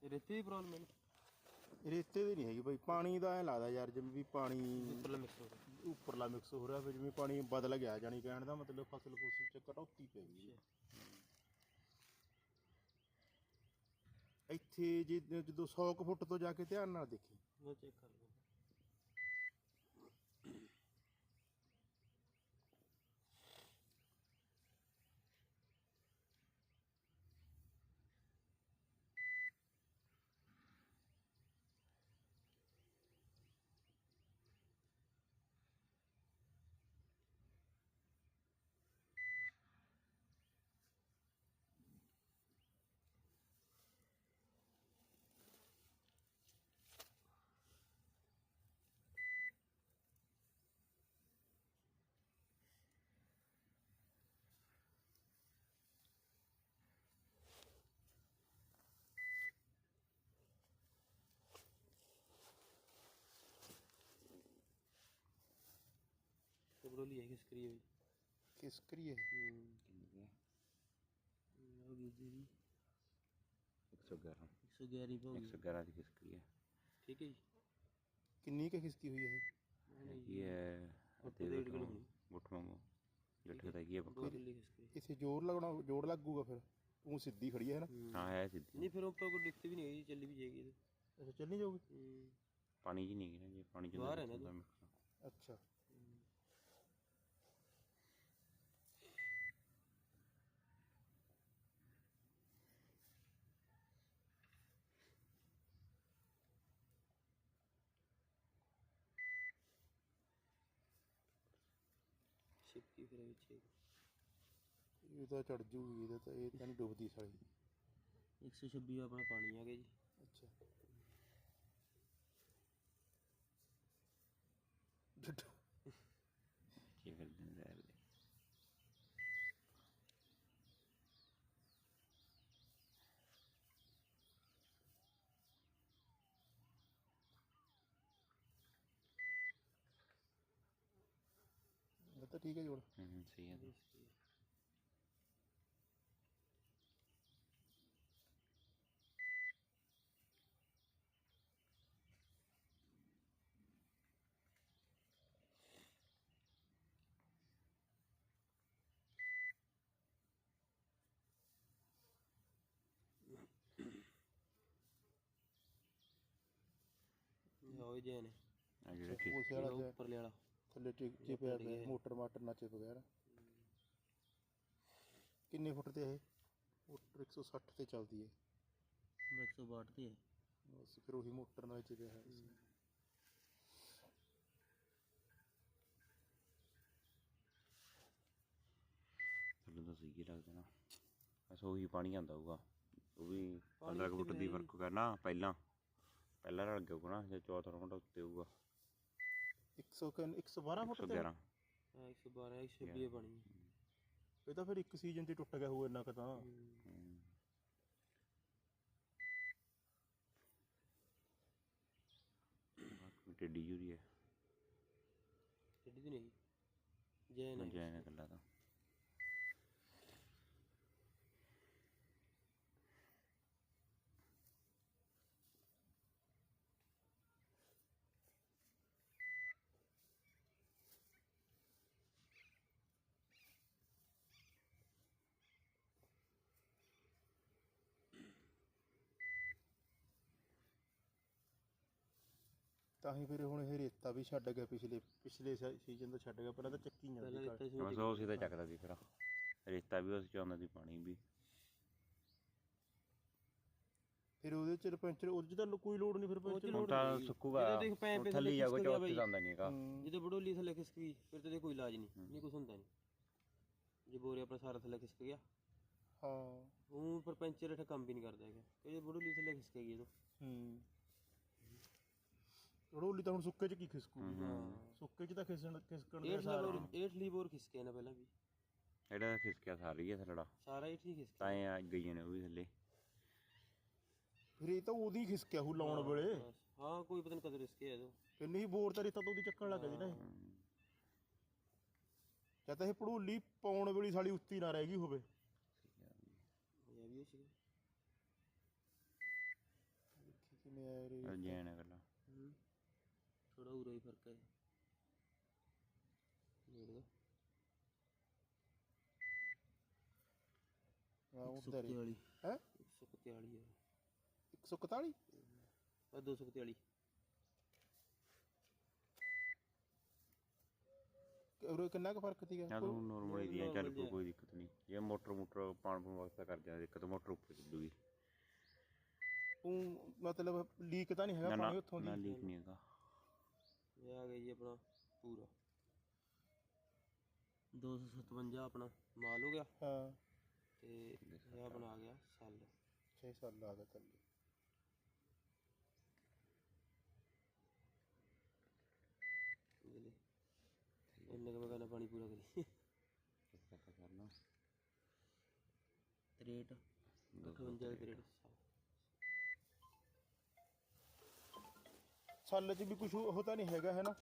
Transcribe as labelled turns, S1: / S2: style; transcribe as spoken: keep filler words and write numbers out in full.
S1: ਰੇਤੇ ਦੀ ਪ੍ਰੋਬਲਮ ਹੈ?
S2: ਰੇਤੇ ਦੀ ਨਹੀਂ ਹੈਗੀ ਬਾਈ, ਪਾਣੀ ਦਾ ਐ ਲੱਗਦਾ ਯਾਰ ਜਿਵੇਂ ਵੀ ਪਾਣੀ
S1: ਉੱਪਰਲਾ ਮਿਕਸ ਹੋ ਰਿਹਾ।
S2: ਉੱਪਰਲਾ ਮਿਕਸ ਹੋ ਰਿਹਾ, ਫਿਰ ਜਿਵੇਂ ਪਾਣੀ ਬਦਲ ਗਿਆ ਜਾਣੀ ਕਹਿਣ ਦਾ ਮਤਲਬ ਫਸਲ ਫੁਸਲ ਚ ਕਟੌਤੀ ਪੈ ਗਈ ਇੱਥੇ। ਜੇ ਜਦੋਂ ਸੌ ਕੁ ਫੁੱਟ ਤੋਂ ਜਾ ਕੇ ਧਿਆਨ ਨਾਲ ਦੇਖੀ,
S1: ਉਹ ਚੈੱਕ ਕਰ ਲਓ। बड़ोली है खिसकरी है
S2: ਖਿਸਕਰੀ ਹੈ
S3: एक सौ ग्यारह
S1: एक सौ ग्यारह पे
S3: एक सौ ग्यारह की खिसकरी है।
S1: ठीक है जी।
S2: ਕਿੰਨੀ ਕੁ ਖਿਸਕੀ ਹੋਈ ਹੈ
S3: ये गुट मांगो गट्ठे का ये पक्का
S2: इसे जोर लगना, जोर लगूगा फिर तू सीधी खड़ी है ना।
S3: हाँ है सीधी
S1: नहीं, फिर ऊपर कोई दिक्कत भी नहीं होगी, चली भी जाएगी।
S2: अच्छा चलनी जाओगी,
S3: पानी जी नहीं गिरा, ये पानी जो
S1: बाहर है ना।
S2: अच्छा
S1: छिपकी फिर पीछे
S2: ये तो चढ़ जूगी, ये तो ये तो नहीं डूबती साली।
S1: एक सौ छब्बी अपना पानी आ गया जी।
S2: अच्छा डड्डू
S3: ये कर देंगे यार।
S2: ये तो ठीक है जोड़।
S3: हम्म सही है।
S1: हो जाए ने
S3: अगर
S2: उस वाला जो
S1: ऊपर ले वाला
S2: थल्ले टिक चिपया पे मोटर माटर ना चिप गया। किन्ने फुट ते है मोटर? एक सौ साठ ते चलती है,
S1: एक सौ बाठ ते है
S2: बस फिर वही मोटर ना चिपया है।
S3: थल्ले तो सही लगता ना, बस वही पानी आंदा होगा, वो भी पंद्रह फुट दी फर्क करना। पहला पहला रल गया होगा ना, जो चौथा फुट उत्ते होगा।
S2: एक सौ एक सौ बारह फुट ते
S3: ग्यारह
S1: हाँ एक सौ बारह एक सौ छब्बी पानी।
S2: ये तो फिर एक सीजन च टुट गया होगा इन्ना क तां।
S3: टेडी यूरी है,
S1: टेडी तो नहीं जैन है।
S3: जैन है कल्ला तो।
S2: ਤਾਂ ਹੀ ਫਿਰ ਹੁਣ ਇਹ ਰੇਤਾ ਵੀ ਛੱਡ ਗਿਆ, ਪਿਛਲੇ ਪਿਛਲੇ ਸੀਜ਼ਨ ਤੋਂ ਛੱਡ ਗਿਆ। ਪਹਿਲਾਂ ਤਾਂ ਚੱਕੀ ਜਾਂਦੀ
S1: रेता से
S3: बस उसी तो चकदा सी, फिर रेता भी उस चाहता सी, पानी भी।
S2: ਫਿਰ ਉਹਦੇ ਚ ਪੈਂਚਰ ਉਹਦੇ ਚ ਤਾਂ ਕੋਈ ਲੋੜ ਨਹੀਂ, ਫਿਰ ਪੈਂਚਰ
S3: ਹੁਣ ਤਾਂ ਸੁੱਕੂਗਾ, ਥੱਲੇ ਜਾਊਗਾ, ਚੌਥ ਜਾਂਦਾ ਨਹੀਂ ਹੈਗਾ।
S1: ਜਦੋਂ ਬੜੋਲੀ ਥੱਲੇ ਖਿਸਕ ਗਈ ਫਿਰ ਤੇ ਕੋਈ ਇਲਾਜ ਨਹੀਂ, ਨਹੀਂ ਕੁਛ ਹੁੰਦਾ ਨਹੀਂ। ਜੇ ਬੋਰੇ ਆਪਣਾ ਸਾਰਾ ਥੱਲੇ ਖਿਸਕ ਗਿਆ,
S2: ਹਾਂ
S1: ਉਹ ਪਰ ਪੈਂਚਰ ਇਹ ਕੰਮ ਵੀ ਨਹੀਂ ਕਰਦਾ ਹੈਗਾ, ਕਿ ਜੇ ਬੜੋਲੀ ਥੱਲੇ ਖਿਸਕ ਗਈ ਜਦੋਂ।
S2: ਹੂੰ ਰੋਲੀ ਤਾਂ ਹੁਣ ਸੁੱਕੇ ਚ ਕੀ ਖਿਸਕੂ? ਸੁੱਕੇ ਚ ਤਾਂ ਖਿਸਣ ਖਿਸਕਣ ਦੇ ਸਾਰੇ
S1: ਇਹ ਠਲੀ ਬੋਰ ਖਿਸਕੇ ਨਾ ਪਹਿਲਾਂ ਵੀ,
S3: ਇਹਦਾ ਖਿਸਕਿਆ ਸਾਰੀ ਹੈ ਥੱਲੜਾ,
S1: ਸਾਰਾ ਹੀ ਠੀਕ ਖਿਸਕਿਆ।
S3: ਤਾਂ ਇਹ ਆ ਗਈਆਂ ਨੇ ਉਹ ਵੀ ਥੱਲੇ।
S2: ਫਿਰ ਇਹ ਤਾਂ ਉਹਦੀ ਖਿਸਕਿਆ ਹੂ ਲਾਉਣ ਵੇਲੇ।
S1: ਹਾਂ ਕੋਈ ਪਤਾ ਨਹੀਂ ਕਦੋਂ ਖਿਸਕਿਆ ਇਹਦੋਂ।
S2: ਕਿੰਨੀ ਬੋਰ ਤਾਂ ਰੇਤਾ ਤੋਂ ਉਹਦੀ ਚੱਕਣ ਲੱਗ ਗਈ ਨਾ ਇਹ। ਜਾਂ ਤਾਂ ਇਹ ਭੜੂਲੀ ਪਾਉਣ ਵੇਲੇ ਸਾਲੀ ਉੱਤੀ ਨਾ ਰਹਿ ਗਈ ਹੋਵੇ।
S1: ਇਹ ਵੀ ਸੀ
S2: ਮੇਰੇ
S3: ਜੈਨ ਹੈ ਗੱਲਾਂ
S1: ਹੂੰ ਥੋੜਾ ਉਰਾ ਹੀ ਫਰਕ ਹੈ ਨੇੜ ਦਾ
S2: ਹਾਂ
S1: ਇੱਕ ਸੌ
S2: ਉਧਰ
S1: ਇਕਤਾਲੀ
S2: ਹੈ
S1: ਇੱਕ ਸੌ ਇਕਤਾਲੀ ਹੈ
S2: ਇੱਕ ਸੌ ਇਕਤਾਲੀ
S1: ਆ ਦੋ ਸੌ ਇਕਤਾਲੀ
S2: ਉਰੇ ਕਿੰਨਾ ਕੁ ਫਰਕ ਸੀਗਾ
S3: ਜਾਂ ਤੂੰ ਨੋਰਮਲੀ ਦੀਆਂ ਚੱਲ
S1: normal
S3: ਪਊ,
S1: ਜਿਹਾ।
S3: ਕੋਈ ਦਿੱਕਤ ਨਹੀਂ ਜੇ ਮੋਟਰ ਮੋਟਰ ਪਾਣ ਪੂਣ ਵਾਸਤੇ ਕਰ ਦਿਆਂ ਦਿੱਕਤ ਮੋਟਰ ਉੱਪਰ ਚੱਲੂਗੀ
S2: ਉਹ ਮਤਲਬ ਲੀਕ ਤਾਂ ਨਹੀਂ ਹੈਗਾ
S3: ਨਾ ਨਾ
S2: ਪਾਣੀ ਉੱਥੋਂ
S3: ਨਾ
S2: ਦੀ
S3: ਲੀਕ ਨਹੀਂ ਹੈਗਾ
S1: ਇਹ ਆ ਗਿਆ ਜੀ ਆਪਣਾ ਪੂਰਾ ਦੋ ਸੌ ਸਤਵੰਜਾ ਆਪਣਾ ਮਾਲ ਹੋ ਗਿਆ
S2: ਹਾਂ
S1: ਤੇ ਇਹ ਆਪਣਾ ਆ ਗਿਆ ਸੈੱਲ
S2: ਛੇ ਸਾਲ ਆ ਗਿਆ ਥੱਲੇ
S1: ਇਹਦੇ ਇੰਨੇ ਕੁ ਮੈਂ ਕਹਿੰਦਾ ਪਾਣੀ ਪੂਰਾ ਕਰੀ
S3: ਕਰਨਾ
S1: ਤਰੇਹਠ ਅਠਵੰਜਾ ਤਰੇਹਠ
S2: ਸਾਲ 'ਚ ਵੀ ਕੁਝ ਉਹ ਤਾਂ ਨਹੀਂ ਹੈਗਾ ਹੈ ਨਾ